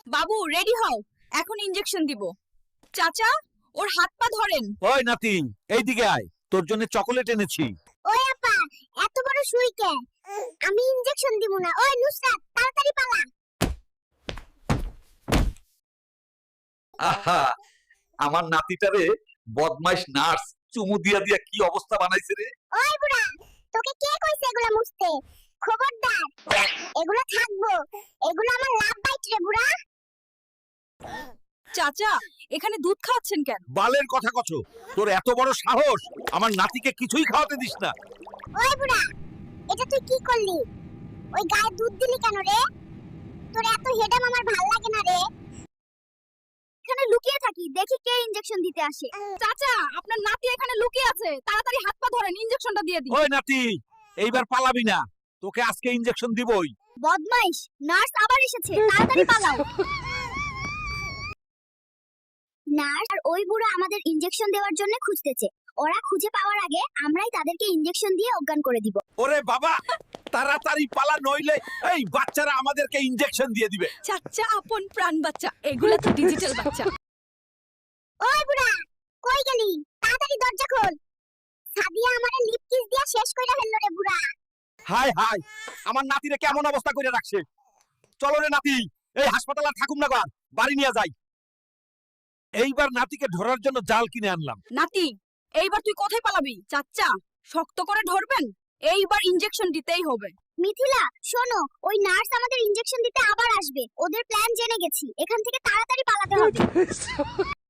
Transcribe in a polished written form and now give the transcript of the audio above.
বাবু রেডি হও, এখন ইনজেকশন দিব। চাচা, ওর হাত পা ধরেন। ওই নাতি, এইদিকে আয়, তোর জন্য চকোলেট এনেছি। ওই আপা, এত বড় সুই কে? আমি ইনজেকশন দিব না। ওই নুসরাত, তাড়াতাড়ি পালা। আহা, আমার নাতিটারে বদমাইশ নার্স চুমু দিয়া দিয়া কি অবস্থা বানাইছে রে। ওই বুড়া, তোকে কে কইছে এগুলা মুছতে? খবরদার, এগুলো থাকবো। এগুলো আমার লাভ বাইট রে বুড়া। চাচা, এখানে দুধ খাওয়াচ্ছেন কেন? বালের কথা কছো, তোর এত বড় সাহস, আমার নাতিকে কিছুই খাওয়াতে দিস না। ওই বুড়া, এটা তুই কি করলি? ওই গায়ে দুধ দিলি কেন রে? তোর এত হেডাম আমার ভাল লাগে না রে। এখানে লুকিয়ে থাকি, দেখি কে ইনজেকশন দিতে আসে। চাচা, আপনার নাতি এখানে লুকিয়ে আছে, তাড়াতাড়ি হাত পা ধরেন, ইনজেকশনটা দিয়ে দিন। ওই নাতি, এইবার পালাবি না, তোকে আজকে ইনজেকশন দিবই। বদমাইশ, নার্স আবার এসেছে, তাড়াতাড়ি পালাও। নার্স আর ওই বুড়া আমাদের ইনজেকশন দেওয়ার জন্য খুঁজতেছে। ওরা খুঁজে পাওয়ার আগে আমরাই তাদেরকে ইনজেকশন দিয়ে অজ্ঞান করে দিব। ওরে বাবা, তাড়াতাড়ি পালা, নইলে এই বাচ্চারা আমাদেরকে ইনজেকশন দিয়ে দিবে। চাচা আপন প্রাণ বাচ্চা, এগুলা তো ডিজিটাল বাচ্চা। ওই বুড়া, কই গেলি? তাড়াতাড়ি দরজা খোল। সাদিয়া আমারে লিপ কিস দিয়া শেষ কইরা ফেললো রে বুড়া। হাই হাই, আমার নাতিরে কেমন অবস্থা করে রাখছে। চলো রে নাতি, এই হাসপাতালে আর থাকুম না, গো, আর বাড়ি নিয়ে যাই। এইবার নাতিকে ধরার জন্য জাল কিনে আনলাম। নাতি, এইবার তুই কোথায় পালাবি? চাচা, শক্ত করে ধরবেন, এইবার ইনজেকশন দিতেই হবে। মিথিলা, শোনো, ওই নার্স আমাদের ইনজেকশন দিতে আবার আসবে। ওদের প্ল্যান জেনে গেছি, এখান থেকে তাড়াতাড়ি পালাতে হবে।